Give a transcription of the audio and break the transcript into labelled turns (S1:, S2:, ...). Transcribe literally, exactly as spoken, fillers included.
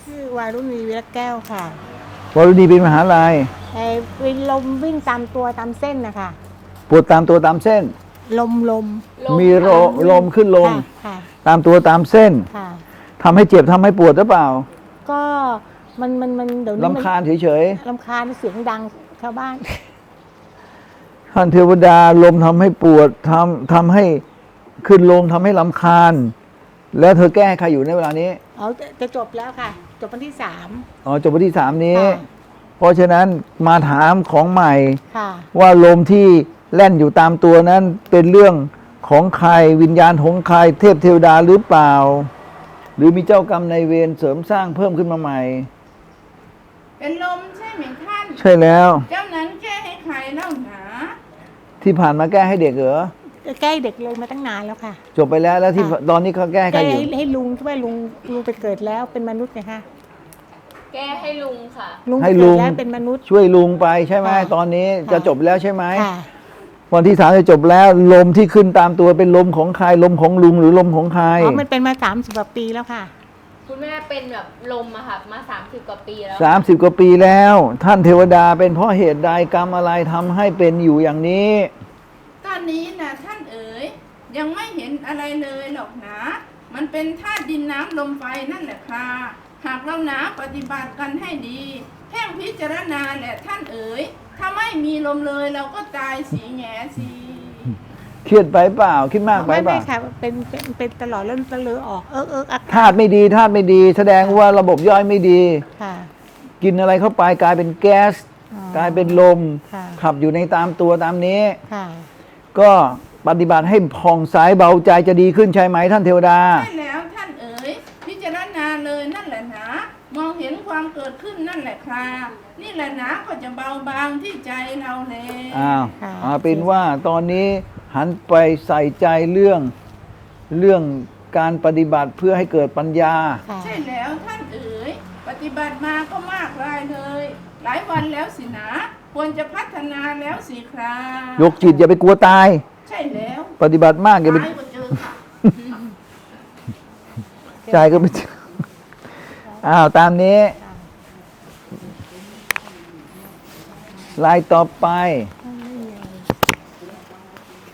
S1: ชื่อวารุณีวิรัตแก้วค่ะ
S2: วรุณีเป็นมหาลัย
S1: ไอ้วิ่งลมวิ่งตามตัวตามเส้นนะคะ
S2: ปวดตามตัวตามเส้น
S1: ลมลม
S2: มีโรลมขึ้นลม
S1: ค่ะค่ะ
S2: ตามตัวตามเส้น
S1: ค่ะ
S2: ทำให้เจ็บทำให้ปวดหรือเปล่า
S1: ก็มันมันมันเดี๋ยวนี้มัน
S2: ลำคาญเฉย
S1: ลำคาญเสียงดังชาวบ้าน
S2: ๆท่านเทวดาลมทำให้ปวดทำทำให้ขึ้นลมทำให้ลำคาญ แล้วเธอแก้ให้ใครอยู่ในเวลานี้
S1: เอาจะจะจบแล้วค่ะ จบวันที่สาม
S2: อ๋อจบวันที่สามนี้
S1: ค่ะ
S2: เพราะฉะนั้นมาถามของใหม่
S1: ค่ะ
S2: ว่าลมที่แล่นอยู่ตามตัวนั้นเป็นเรื่องของใครวิญญาณของใครเทพเทวดาหรือเปล่า หรือมีเจ้ากรรมนายเวรเสริมสร้างเพิ่มขึ้นมาใหม่
S3: เป็นลมใช่ไหมท่าน
S2: ใช่แล้ว
S3: เจ้านั้นแก้ให้ใครเล่าหนา
S2: ที่ผ่านมาแก้ให้เด็กเหรอ
S1: แก้เด็กเลยมาตั้งนานแล้วค่ะ
S2: จบไปแล้วแล้วที่
S1: ค่ะ
S2: ตอนนี้เขาแก้ให้ใคร
S1: แก้
S2: อยู่
S1: ให้ให้ลุงที่ว่าลุงลุงไปเกิดแล้วเป็นมนุษย์ไงคะ
S4: แก้ให้ลุงค่ะ
S1: ลุง
S2: ให้
S1: เกิ
S2: ลุ
S1: ด
S2: ง
S1: แล้วเป็นมนุษย์
S2: ช่วยลุงไปใช่ไหม
S1: ค่ะ
S2: ตอนนี้
S1: ค่ะ
S2: จะจบแล้วใช่ไหม
S1: ค่ะ
S2: วันที่สามจะจบแล้วลมที่ขึ้นตามตัวเป็นลมของใครลมของลุงหรือลมของใคร
S1: อ๋อมันเป็นมาสามสิบกว่าปีแล้วค่ะ
S4: คุณแม่เป็นแบบลมอะค่ะมาสามสิบกว่าปีแล้ว
S2: สามสิบกว่าปีแล้ว ท่านเทวดาเป็นเพราะเหตุใดกรรมอะไรทำให้เป็นอยู่อย่างนี้
S3: ตอนนี้นะท่านเอ๋ยยังไม่เห็นอะไรเลยหรอกนะ มันเป็นธาตุดินน้ำลมไฟนั่นแหละค่ะหากเราหนาปฏิบัติกันให้ดีเพ่งพิจารณาแหละท่านเอ๋ยถ้าไม่มีลมเลยเราก็ตายสีแง่สี
S2: เครียดไปเปล่าคิดมากไป
S1: ไม่
S2: เป
S1: ไม่
S2: ล่า
S1: ค่ะเป็นเป็นเป็นตลอดแล้วตะเลอออกเอิกเอิกอัก
S2: ธาตุไม่ดีธาตุไม่ดี แสดงว่าระบบย่อยไม่ดี
S1: ค่ะ
S2: กินอะไรเข้าไปกลายเป็นแก๊ส
S1: อ๋อก
S2: ลายเป็นลม
S1: ค่ะ
S2: ขับอยู่ในตามตัวตามนี้
S1: ค่ะ
S2: ก็ปฏิบัติให้ผ่องใสเบาใจจะดีขึ้นใช่ไหมท่านเทวดา
S3: ใช่แล้วท่านเอ๋ยพิจารณาเลยนั่นแหละนะมองเห็นความเกิดขึ้นนั่นแหละค่ะนี่แหละนะก็จะเบาบางที่ใจเราเลย
S2: อ้าว
S1: ค่ะ
S2: เอาเป็นว่าตอนนี้หันไปใส่ใจเรื่องเรื่องการปฏิบัติเพื่อให้เกิดปัญญา
S1: ค่ะ
S3: ใช่แล้วท่านเอ๋ยปฏิบัติมาก็มากรายเลย หลายวันแล้วสินะควรจะพัฒนาแล้วสิคราย
S2: กจิตอย่าไปกลัวตาย
S3: ใช่แล้ว
S2: ปฏิบัติมากอย่าไป
S3: ตายก็เจอค่ะ
S2: ใจก็ไม่อ้าวตามนี้ลายต่อไป